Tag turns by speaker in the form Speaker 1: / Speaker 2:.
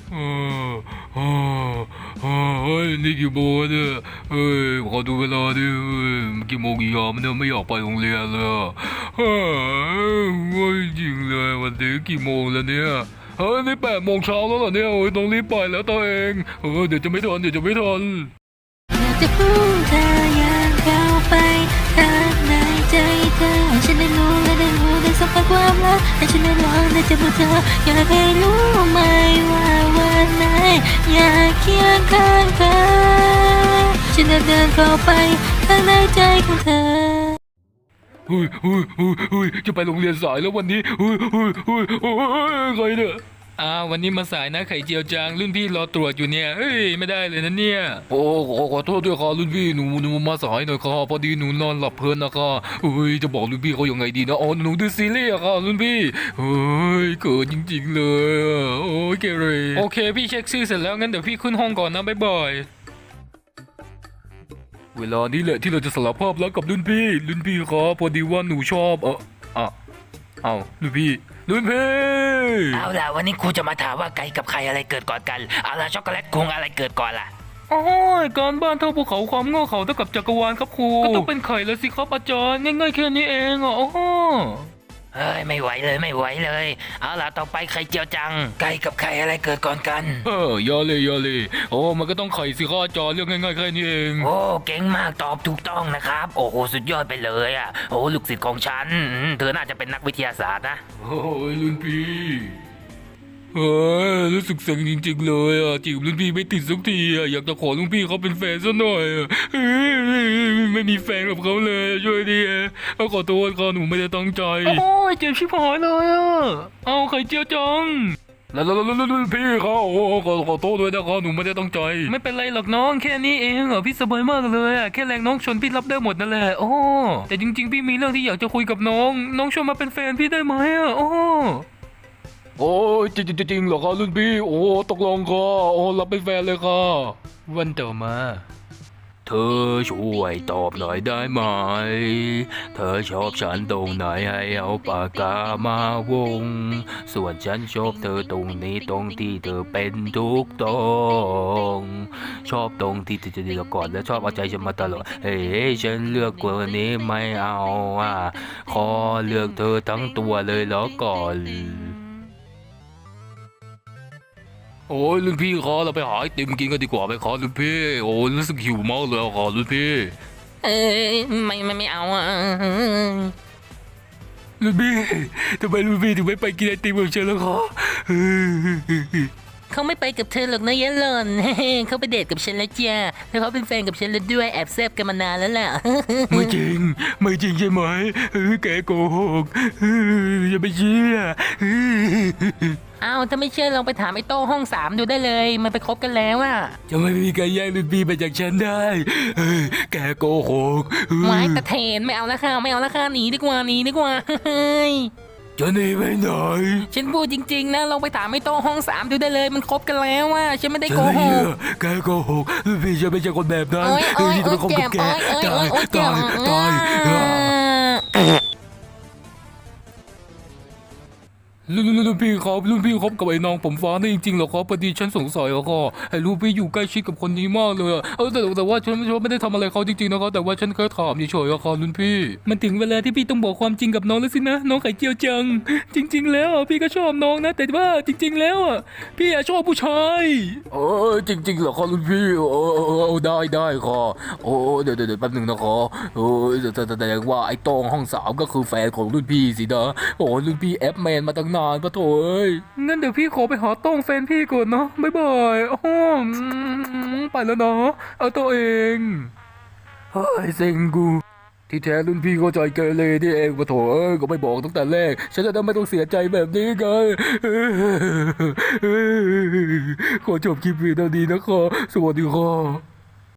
Speaker 1: เออเออเฮ้ยนี่กี่โมงเนี่ยเฮ้ยขอดูเวลาดิเฮ้ยกี่โมงกี่ยามเนี่ยไม่อยากไปโรงเรียนเลยอะเฮ้ยง่วงจริงเลยวันนี้กี่โมงแล้วเนี่ยเฮ้ยนี่8 โมงเช้าแล้วเหรอเนี่ยโอ้ยต้องรีบไปแล้วตัวเองเดี๋ยวจะไม่ทัน
Speaker 2: อยากจะพูดเธออยากเข้าไปข้างในใจเธอให้ฉันได้รู้และได้รู้ได้สัมผัสความรักให้ฉันได้ลองได้เจอเธออยากให้รู้ไหมว่าวันไหนอยากเคียงข้างเธอฉันจะเดินเข้าไปข้างในใจของเธอ
Speaker 1: จะไปโรงเรียนสายแล้ววันนี้ใครเนี่ยวันนี้มาสายนะไข่เจียวจางรุ่นพี่รอตรวจอยู่เนี่ยไม่ได้เลยนะเนี่ยขอโทษด้วยครับรุ่นพี่หนูมาสายหน่อยครับพอดีหนูนอนหลับเพลินนะครับจะบอกรุ่นพี่เขายังไงดีนะหนูดูซีรีส์อะครับรุ่นพี่เกิดจริงๆเลยเกเรโอเคพี่เช็คชื่อเสร็จแล้วงั้นเดี๋ยวพี่ขึ้นห้องก่อนนะบ๊ายบายเวลานี้แหละที่เราจะสารภาพรักกับรุ่นพี่ครับพอดีว่าหนูชอบรุ่นพี่
Speaker 3: เอาล่ะวันนี้ครูจะมาถามว่าไก่กับไข่อะไรเกิดก่อนกันเอาล่ะช็อกโกแลตคงอะไรเกิดก่อนล่ะ
Speaker 1: โอ้ยการบ้านเท่าภูเขาความโง่เขาเท่ากับจักรวาลครับครูก็ต้องเป็นไข่แล้วสิครับอาจารย์ง่ายๆแค่นี้เอง
Speaker 3: เฮ้ยไม่ไหวเลยเอาล่ะต่อไปไข่เจียวจังไก่กับไข่อะไรเกิดก่อนกัน
Speaker 1: อย่าเลยมันก็ต้องไข่สิครับอาจารย์เรื่องง่ายๆแค่นี้เอง
Speaker 3: โอ้เก่งมากตอบถูกต้องนะครับโอ้โหสุดยอดไปเลยอ่ะโอ้ลูกศิษย์ของฉันเธอน่าจะเป็นนักวิทยาศาสตร์นะ
Speaker 1: โอ้ยรุ่นพี่รู้สึกเซ็งจริงๆเลยจีบรุ่นพี่ไม่ติดสักทีอยากจะขอรุ่นพี่เขาเป็นแฟนซะหน่อยไม่มีแฟนกับเขาเลยช่วยดีขอโทษค่ะหนูไม่ได้ตั้งใจโอ้ยเจ็บชิบหายเลยเอาไข่เจียวจังแล้วรุ่นพี่เขาขอโทษด้วยนะครับหนูไม่ได้ตั้งใจไม่เป็นไรหรอกน้องแค่นี้เองพี่สบายมากเลยแค่แรงน้องชนพี่รับได้หมดนั่นแหละแต่จริงๆพี่มีเรื่องที่อยากจะคุยกับน้องชวนมาเป็นแฟนพี่ได้ไหมโอ้จริงเหรอครับรุ่นพี่ตกลงค่ะรับเป็นแฟนเลยค่ะวันต่อมาเธอช่วยตอบหน่อยได้ไหมเธอชอบฉันตรงไหนให้เอาปากกามาวงส่วนฉันชอบเธอตรงนี้ตรงที่เธอเป็นทุกตรงชอบตรงที่เธอจะดีก่อนและชอบเอาใจฉันมาตลอดฉันเลือกคนนี้ไม่เอาขอเลือกเธอทั้งตัวเลยแล้วก่อนรุ่นพี่ขอเราไปหาไอติมกินกันดีกว่าไปขอรุ่นพี่รู้สึกหิวมากเลยขอรุ่นพี่
Speaker 2: ไม่เอา
Speaker 1: รุ่นพี่ทำไมรุ่นพี่ถึงไม่ไปกินไอติมกับฉันแล้วขอ
Speaker 2: เขาไม่ไปกับเธอหรอกนะยะหล่อนเขาไปเดทกับฉันแล้วจ้าแล้วเขาเป็นแฟนกับฉันแล้วด้วยแอบแซบกันมานานแล้วล่ะ
Speaker 1: ไม่จริงใช่ไหมแกโกหกอย่าไปเชื่อ
Speaker 2: ถ้าไม่เชื่อลองไปถามไอ้โต้ห้อง3ดูได้เลยมันไปคบกันแล้ว
Speaker 1: จะไม่มีใครแย่งรุ่นพี่ไปจากฉันได้แกโกหก
Speaker 2: ไม้ตะเทนไม่เอาละค่ะหนีดีกว่า
Speaker 1: จะหนีไปไหน
Speaker 2: ฉันพูดจริงๆนะลองไปถามไอ้โต้ห้อง3ดูได้เลยมันคบกันแล้วฉันไม่ได้โกหก
Speaker 1: แกโกหกพี่จะไม่ใช่คนแบบนั้นที่จะไปคบกับแกตายรุ่นพี่ครับกับไอ้น้องผมฟ้านี่จริงๆเหรอครับพอดีฉันสงสัยครับไอ้ลูกพี่อยู่ใกล้ชิดกับคนนี้มากเลยแต่ว่าฉันไม่ได้ทำอะไรเขาจริงๆนะครับแต่ว่าฉันแค่ถามเฉยๆครับรุ่นพี่มันถึงเวลาที่พี่ต้องบอกความจริงกับน้องแล้วสินะน้องไข่เจียวจังจริงๆแล้วพี่ก็ชอบน้องนะแต่ว่าจริงๆแล้วพี่ชอบผู้ชายจริงๆเหรอครับรุ่นพี่ได้ครับเดี๋ยวแป๊บนึงนะครับแสดงว่าไอ้ตองห้อง3ก็คือแฟนของรุ่นพี่สินะรุ่นพี่แอปแมนมาตั้งนานปะโถงั้นเดี๋ยวพี่ขอไปหาต้องแฟนพี่ก่อนเนาะบ๊ายบายไปแล้วเนาะเอาตัวเองเซ็งกูที่แท้รุ่นพี่เข้าใจเกเรนี่เองปะโถก็ไม่บอกตั้งแต่แรกฉันจะได้ไม่ต้องเสียใจแบบนี้ไงขอจบคลิปวิดีโอนี้นะครับสวัสดีครับ